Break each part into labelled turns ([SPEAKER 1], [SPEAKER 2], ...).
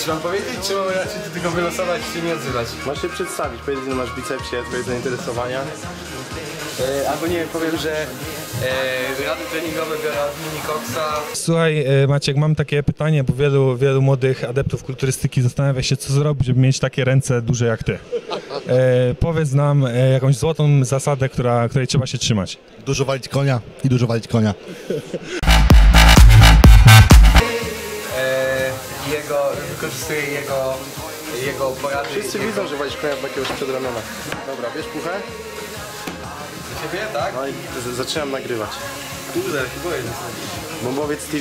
[SPEAKER 1] Czy mam powiedzieć, czy mam raczej tylko wylosować, czy nie odzywać?
[SPEAKER 2] Masz się przedstawić, powiedz, że masz bicepsie, twoje zainteresowania.
[SPEAKER 1] Albo nie wiem, powiem, że rady treningowe biorę od Mini Coxa.
[SPEAKER 3] Słuchaj, Maciek, mam takie pytanie, bo wielu młodych adeptów kulturystyki zastanawia się, co zrobić, żeby mieć takie ręce duże jak ty. Powiedz nam jakąś złotą zasadę, której trzeba się trzymać.
[SPEAKER 4] Dużo walić konia i dużo walić konia.
[SPEAKER 1] Wykorzystuję jego porady.
[SPEAKER 2] Wszyscy widzą, że walisz konia w jakiegoś przedramiona. Dobra, bierz puchę.
[SPEAKER 1] Do ciebie, tak?
[SPEAKER 2] No i zaczynam nagrywać.
[SPEAKER 1] Kurde, się boję.
[SPEAKER 2] Bombowiec TV.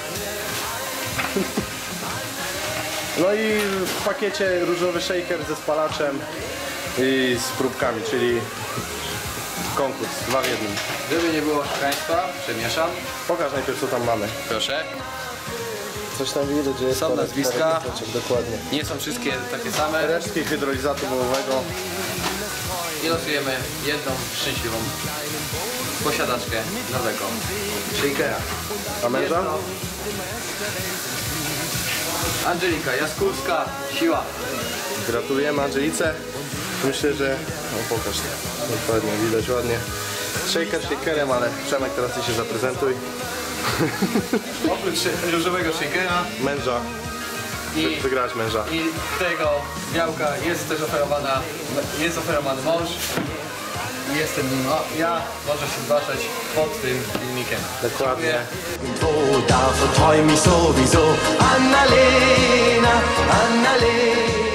[SPEAKER 2] No i w pakiecie różowy shaker ze spalaczem i z próbkami, czyli konkurs, 2 w 1.
[SPEAKER 1] Żeby nie było oszukaństwa, przemieszam.
[SPEAKER 2] Pokaż najpierw, co tam mamy.
[SPEAKER 1] Proszę.
[SPEAKER 2] Coś tam widać, że jest
[SPEAKER 1] Są nazwiska.
[SPEAKER 2] Dokładnie.
[SPEAKER 1] Nie są wszystkie takie same.
[SPEAKER 2] Resztki hydrolizatu wołowego.
[SPEAKER 1] I losujemy jedną szczęśliwą posiadaczkę nowego shakera.
[SPEAKER 2] A męża?
[SPEAKER 1] Jedno. Angelika Jaskulska, siła.
[SPEAKER 2] Gratulujemy Angelice. Myślę, że... No pokaż. Dokładnie, widać ładnie. Shaker shakerem, ale Przemek, teraz ty się zaprezentuj.
[SPEAKER 1] Oprócz różowego shakera
[SPEAKER 2] Męża.
[SPEAKER 1] i
[SPEAKER 2] Wygrałeś męża.
[SPEAKER 1] I tego białka jest też oferowany mąż. I jestem nim ja, może się zgłaszać pod tym filmikiem.
[SPEAKER 2] Dokładnie.
[SPEAKER 5] Därför tar mig sowieso Anna-Lena, Anna-Lena